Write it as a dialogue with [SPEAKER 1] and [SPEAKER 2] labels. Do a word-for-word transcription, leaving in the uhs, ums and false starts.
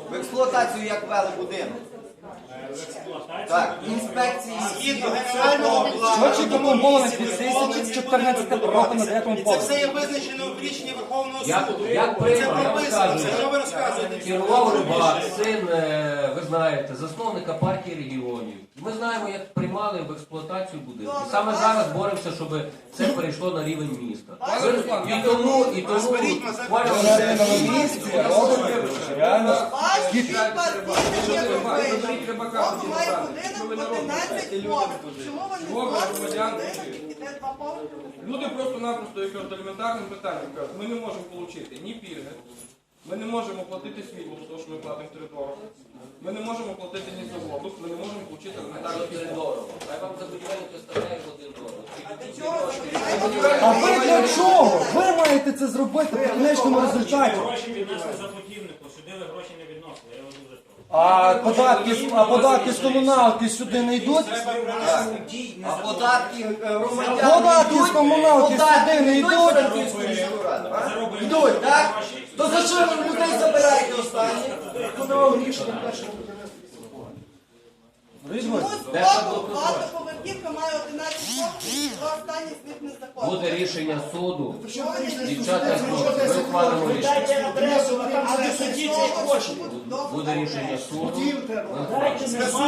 [SPEAKER 1] В експлуатацію як ввели будинок? Так, інспекції
[SPEAKER 2] Згідно генерального плану,
[SPEAKER 3] Що допомоги дві тисячі чотирнадцятого року на дев'ятому
[SPEAKER 2] це
[SPEAKER 3] поверсі?
[SPEAKER 2] все є визначено в рішенні Верховного
[SPEAKER 4] Як,
[SPEAKER 2] суду.
[SPEAKER 4] як
[SPEAKER 2] Це
[SPEAKER 4] приймав, я вам
[SPEAKER 2] прописано,
[SPEAKER 4] скажу.
[SPEAKER 2] це що ви розказуєте?
[SPEAKER 4] Керував Рибак, син, е, ви знаєте, засновника партії регіонів. Ми знаємо, як приймали в експлуатацію будинки. Саме зараз боремося, щоб це перейшло на рівень міста. І тому, і тому
[SPEAKER 3] На ринковому місці робить реально
[SPEAKER 5] Ваші партійні робили. Бог має будинок одинадцять поверхів. Чому вони згодні будинок, який йде два поверхи?
[SPEAKER 6] Люди просто-напросто якось елементарним питанням кажуть, ми не можемо отримати ні пільги, ми не можемо платити світло, тому що ми платимо три дорого, ми не можемо платити ні за воду, ми не можемо отримати елементарні
[SPEAKER 4] Один
[SPEAKER 6] пільги.
[SPEAKER 4] дорого. Хай вам за будівельник виставляє один дорого.
[SPEAKER 3] А ви для чого? Ви маєте це зробити в кінечному результаті.
[SPEAKER 7] Гроші віднесли за путівнику, сюди ви гроші не відносили, я вас дуже прошу.
[SPEAKER 3] А податки, з- а податки з комуналки сюди не йдуть?
[SPEAKER 1] а податки е, громадян
[SPEAKER 3] Податки
[SPEAKER 1] йдуть,
[SPEAKER 3] з комуналки
[SPEAKER 1] податки
[SPEAKER 3] сюди не
[SPEAKER 1] йдуть
[SPEAKER 3] йдуть.
[SPEAKER 1] в Франківську міську раду, а? Йдуть, так? То за що ви людей забираєте останні?
[SPEAKER 5] Чому з боку багатоповерхівка має одинадцять поверхів, два останні з них незаконні?
[SPEAKER 4] Буде рішення суду.
[SPEAKER 5] Що вони
[SPEAKER 4] Дівчата, хлопці, ми ухвалимо рішення.
[SPEAKER 5] Дайте адресу, а там де судді цей хоче.
[SPEAKER 4] Буде рішення суду.